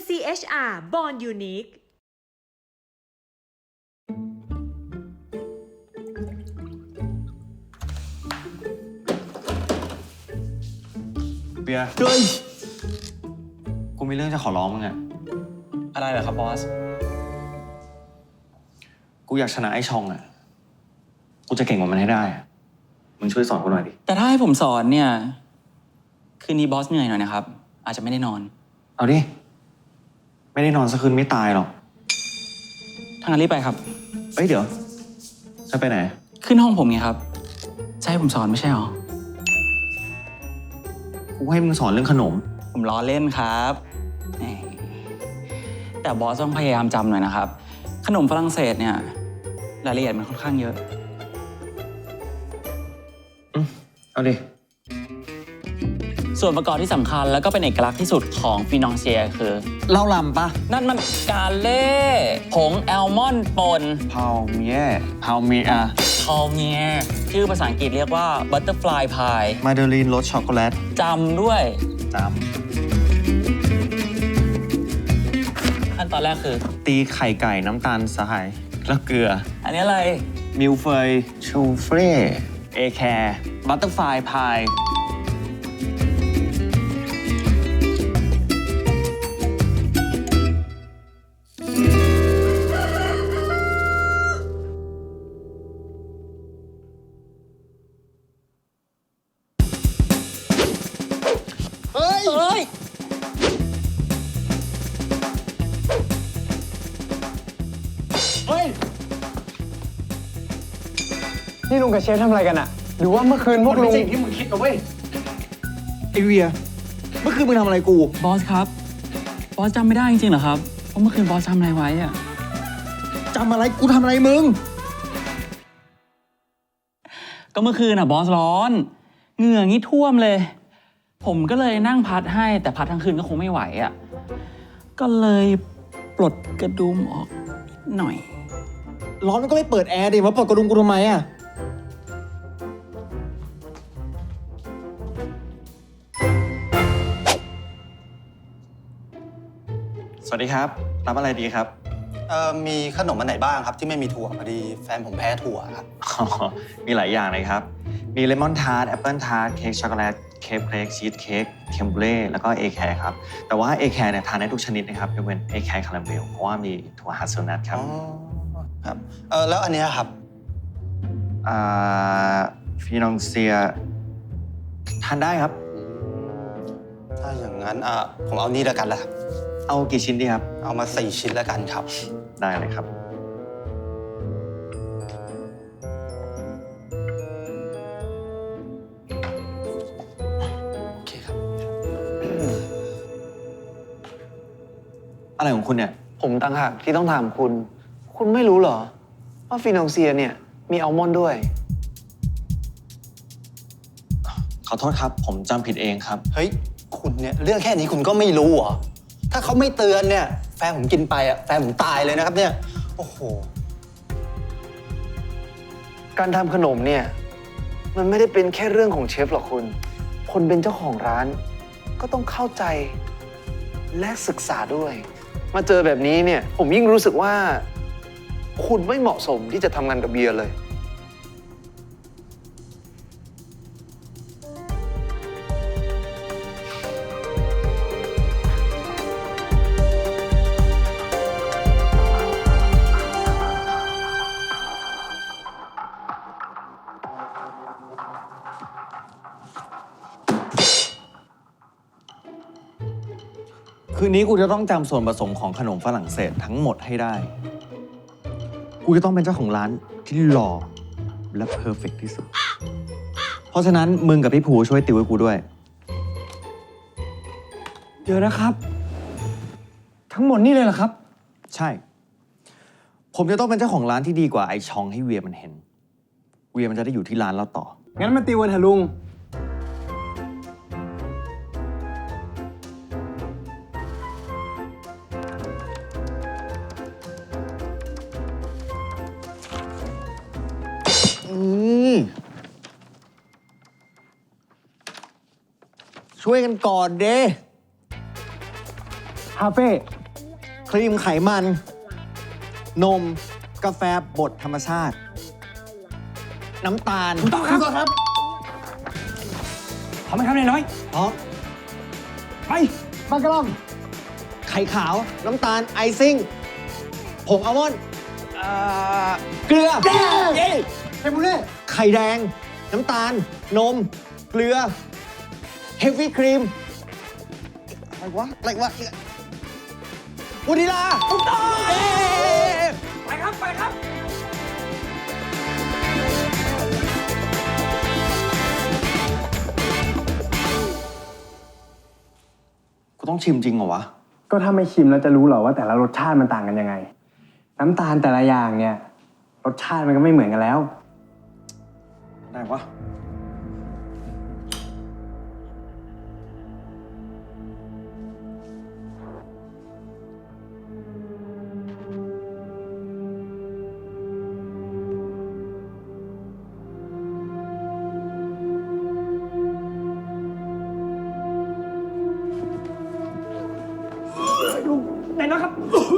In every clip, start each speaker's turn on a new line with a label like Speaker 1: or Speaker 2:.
Speaker 1: CHR Born Unique
Speaker 2: เบียร์
Speaker 3: เฮ้ย
Speaker 2: กูมีเรื่องจะขอร้องมึงอะ
Speaker 3: อะไรเหรอครับบอส
Speaker 2: กูอยากชนะไอ้ชองอะกูจะเก่งกว่ามันให้ได้อะมึงช่วยสอนกูหน่อยดิ
Speaker 3: แต่ถ้าให้ผมสอนเนี่ย คืนนี้บอสเหนื่อยหน่อยนะครับ อาจจะไม่ได้นอน
Speaker 2: เอาดิ ไม่ได้นอนสักคืนไม่ตายหรอก
Speaker 3: ทางนั้นรีบไปครับ
Speaker 2: เอ้ยเดี๋ยวจะไปไหน
Speaker 3: ขึ้นห้องผมไงครับจะให้ผมสอนไม่ใช่หรอ
Speaker 2: กูให้มึงสอนเรื่องขนม
Speaker 3: ผมล้อเล่นครับแหมแต่บอสต้องพยายามจำหน่อยนะครับ ขนมฝรั่งเศสเนี่ยรายละเอียดมันค่อนข้างเยอะ
Speaker 2: เอาดิ
Speaker 3: ส่วนประกอบที่สำคัญแล้วก็เป็นเอกลักษณ์ที่สุดของฟินองเซียคือ
Speaker 2: เล่าลำปะ
Speaker 3: นั่นมันกาเล่ผงแอลมอนด์ป่น
Speaker 2: พาวเมียพาวเมีย
Speaker 3: คอลเมียชื่อภาษาอังกฤษเรียกว่าบัตเตอร์ฟลายพาย
Speaker 2: มาเดลีนรสช็อกโกแลต
Speaker 3: จำด้วย
Speaker 2: จ
Speaker 3: ขั้นตอนแรกคือ
Speaker 2: ำตีไข่ไก่น้ำตาลทรายแล้วเกลือ
Speaker 3: อันนี้อะไร
Speaker 2: มิลเฟยชูเฟ่เอแคร์บัตเตอร์ฟลายพาย
Speaker 3: เฮ้ย
Speaker 4: เฮ้ย นี่ลุงกับเชฟทำอะไรกันอะหรือว่าเมื่อคืนพวกลุง
Speaker 2: สิ่งที่มึงคิดนะเว้ยไอเวียเมื่อคืนมึงทำอะไรกู
Speaker 3: บอสครับ บอสจำไม่ได้จริงๆเหรอครับว่าเมื่อคืนบอสทำอะไรไว้อะ
Speaker 2: จำอะไรกูทำอะไรมึง
Speaker 3: ก็เมื่อคืนบอสร้อน เหงื่องี้ท่วมเลย ผมก็เลยนั่งพัดให้แต่พัดทั้งคืนก็คงไม่ไหวอะก็เลยปลดกระดุมออกนิดหน่อย
Speaker 4: ร้อนมันก็ไม่เปิดแอร์ดิมาเปิดกระดุมกูทำไมอะ
Speaker 2: สวัสดีครับ รับอะไรดีครับ
Speaker 5: มีขนมอันไหนบ้างครับที่ไม่มีถั่วพอดีแฟนผมแพ้ถั่วครับ
Speaker 2: มีหลายอย่างเลยครับ มีเลมอนทาร์ตแอปเปิลทาร์ตเค้กช็อกโกแลตเค้กเค้กชีสเค้กเทมเบร่แล้วก็เอแคร์ครับ แต่ว่าเอแคร์เนี่ยทานได้ทุกชนิดนะครับยกเว้นเอแคร์คาราเมลเพราะว่ามีถั่วฮัสเซลนัทครับ
Speaker 5: อ๋อครับแล้วอันเนี้ยครับ
Speaker 2: ฟีนองเซียทานได้ครับ
Speaker 5: ถ้าอย่างนั้นผมเอานี่แล้วกันละครับ
Speaker 2: เอากี่ชิ้นดีครับ
Speaker 5: เอามา4 ชิ้นแล้วกันครับ
Speaker 2: ได้เลยครับ
Speaker 5: โอเคครับ
Speaker 2: อะไรของคุณเนี่ย
Speaker 4: ผมต่างหากที่ต้องถามคุณ คุณไม่รู้เหรอ ว่าฟินองเซียเนี่ยมีอัลมอนด์ด้วย
Speaker 2: ขอโทษครับ ผมจำผิดเองครับ
Speaker 5: เฮ้ยคุณเนี่ยเรื่องแค่นี้คุณก็ไม่รู้เหรอถ้าเขาไม่เตือนเนี่ยแฟนผมกินไปแฟนผมตายเลยนะครับเนี่ยโอ้โห
Speaker 4: การทำขนมเนี่ยมันไม่ได้เป็นแค่เรื่องของเชฟหรอกคุณ คนเป็นเจ้าของร้าน ก็ต้องเข้าใจและศึกษาด้วย มาเจอแบบนี้เนี่ยผมยิ่งรู้สึกว่า คุณไม่เหมาะสมที่จะทำงานกับเบียร์เลย
Speaker 2: คืนนี้กูจะต้องจำส่วนผสมของขนมฝรั่งเศสทั้งหมดให้ได้ กูจะต้องเป็นเจ้าของร้านที่หล่อและเพอร์เฟกที่สุด เพราะฉะนั้นมึงกับพี่ภูช่วยติวให้กูด้วย
Speaker 4: เดี๋ยวนะครับ ทั้งหมดนี่เลยเหรอครับ
Speaker 2: ใช่ ผมจะต้องเป็นเจ้าของร้านที่ดีกว่าไอชองให้เวียมันเห็น เวียมันจะได้อยู่ที่ร้านเราต่อ
Speaker 4: งั้นมาตีวันเถอะลุง
Speaker 2: ช่วยกันก่อนเด้คาเฟ่ครีมไขมัน นม กาแฟบดธรรมชาติ น้ำตาล
Speaker 6: ถูกต้องครับพร้อมไหมครับนายน้อย
Speaker 2: พร้อม
Speaker 6: ไป
Speaker 2: บังกะลองไข่ขาว น้ำตาล ไอซิ่ง ผงอัลมอนด์เกลือ
Speaker 6: เย้เทมปุเล่
Speaker 2: ไข่แดง น้ำตาล นม เกลือ เฮฟวี่ครีม อะไรวะวานิลา
Speaker 6: ถูกต้องไปครับ ไปครับ
Speaker 2: กูต้องชิมจริงเหรอวะ
Speaker 7: ก็ถ้าไม่ชิมแล้วจะรู้เหรอว่าแต่ละรสชาติมันต่างกันยังไง น้ำตาลแต่ละอย่างเนี่ยรสชาติมันก็ไม่เหมือนกันแล้ว
Speaker 2: ได้วะ
Speaker 6: นายน้อยครับ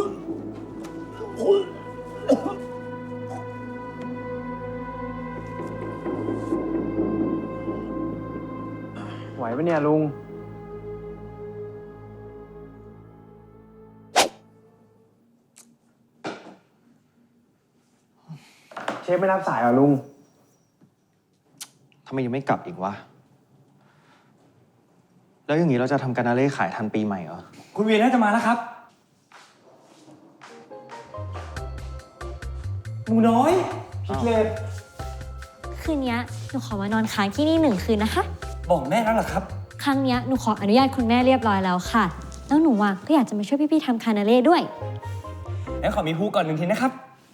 Speaker 7: ไหวปะเนี่ยลุง เชฟไม่รับสายเหรอลุง
Speaker 2: ทำไมยังไม่กลับอีกวะ แล้วอย่างนี้เราจะทำการนาเล่ขายทันปีใหม่เหรอ
Speaker 6: คุณเวียนน่าจะมาแล้วครับ หมูน้อยพิกเลต
Speaker 8: คืนนี้หนูขอมานอนค้างที่นี่1 คืนนะคะ
Speaker 6: บอกแม่แล้วเหรอครับ
Speaker 8: ครั้งนี้หนูขออนุญาตคุณแม่เรียบร้อยแล้วค่ะ แล้วหนูก็อยากจะมาช่วยพี่ๆทำคานาเล่ด้วย
Speaker 6: แล้วขอมีฮูก่อน1 ทีนะครับ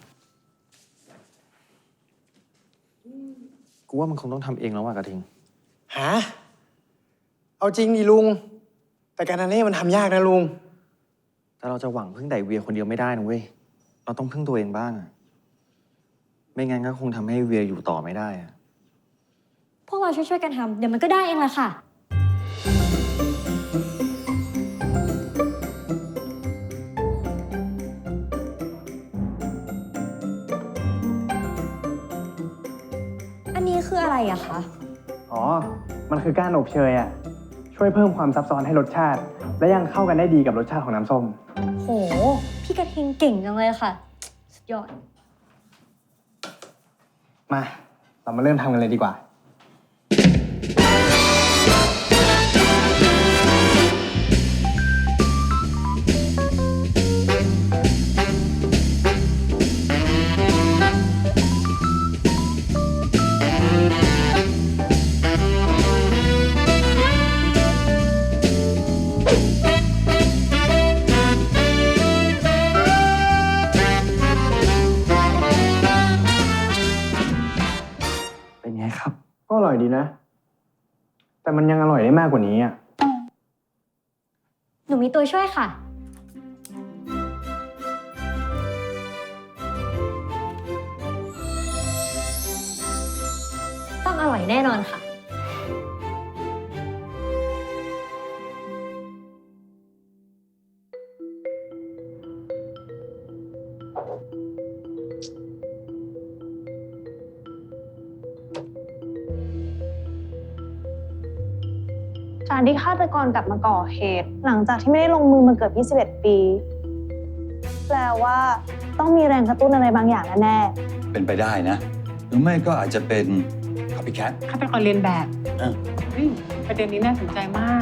Speaker 2: กูว่ามันคงต้องทำเองแล้วว่ะกระทิง
Speaker 7: ฮะ เอาจริงดิลุง แต่การนาเล่มันทำยากนะลุง
Speaker 2: แต่เราจะหวังพึ่งไดเวียคนเดียวไม่ได้นะเว้ย เราต้องพึ่งตัวเองบ้างอะไม่งั้นก็คงทำให้เวียอยู่ต่อไม่ได้อะ
Speaker 8: พวกเราช่วยๆกันทำเดี๋ยวมันก็ได้เองแหละค่ะ อันนี้คืออะไรอะคะ
Speaker 7: อ๋อ มันคือก้านอบเชยอะช่วยเพิ่มความซับซ้อนให้รสชาติ และยังเข้ากันได้ดีกับรสชาติของน้ำส้ม
Speaker 8: โห พี่กระทิงเก่งจังเลยค่ะ สุดยอด
Speaker 7: มา เรามาเริ่มทำกันเลยดีกว่า
Speaker 2: เป็นไงครับ
Speaker 7: ก็อร่อยดีนะ แต่มันยังอร่อยได้มากกว่านี้อ่ะ
Speaker 8: หนูมีตัวช่วยค่ะ ต้องอร่อยแน่นอนค่ะ
Speaker 9: การที่ฆาตกรกลับมาก่อเหตุ หลังจากที่ไม่ได้ลงมือมาเกือบ21 ปี แปลว่าต้องมีแรงกระตุ้นอะไรบางอย่างแน่
Speaker 10: เป็นไปได้นะ หรือไม่ก็อาจจะเป็น copycat
Speaker 11: ฆาตกรเรียนแบบ
Speaker 10: อ่ะ
Speaker 11: ประเด็นนี้น่าสนใจมาก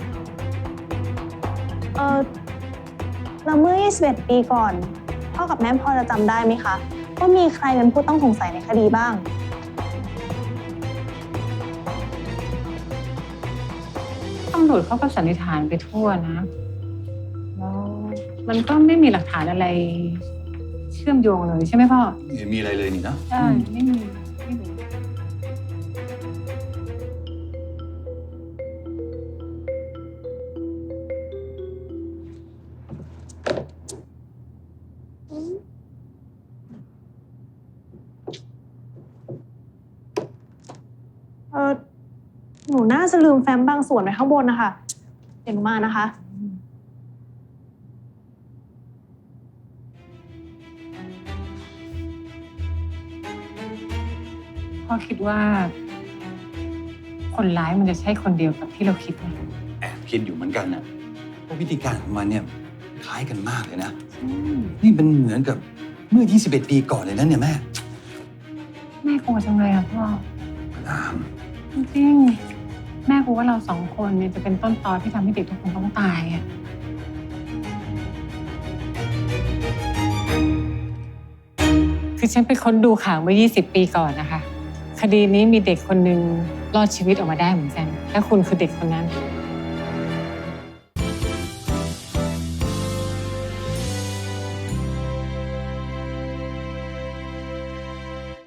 Speaker 9: ๆแล้วเมื่อ21 ปีก่อน พ่อกับแม่พอจะจำได้ไหมคะว่ามีใครเป็นผู้ต้องสงสัยในคดีบ้าง
Speaker 11: ตำรวจเขาก็สันนิษฐานไปทั่วนะแล้วมันก็ไม่มีหลักฐานอะไร เชื่อมโยงเลยใช่ไหมพ่อ
Speaker 10: ไม่เห็นมีอะไรเลยนี่นะ
Speaker 11: ใช่ไม่มีไม่มี
Speaker 9: หนูน่าจะลืมแฟ้มบางส่วนไว้ข้างบนนะคะ เดี๋ยวหนูมานะคะ
Speaker 11: อคิดว่า คนร้ายมันจะใช่คนเดียวกับที่เราคิดไหม
Speaker 10: แอบคิดอยู่เหมือนกันนะเพราะวิธีการของมันเนี่ยคล้ายกันมากเลยนะ นี่เป็นเหมือนกับเมื่อ 21 ปีก่อนเลยนะเนี่ยแม่
Speaker 11: แม่กลัวจังเลยอะพ่อ
Speaker 10: ตาม
Speaker 11: จริงๆแม่กลัวว่าเรา2 คนเนี่ยจะเป็นต้นตอที่ทำให้เด็กทุกคนต้องตายอะคือฉันไปค้นดูข่าวเมื่อ 20 ปีก่อนนะคะ คดีนี้มีเด็กคนหนึ่งรอดชีวิตออกมาได้เหมือนกันและคุณคือเด็กคนนั้น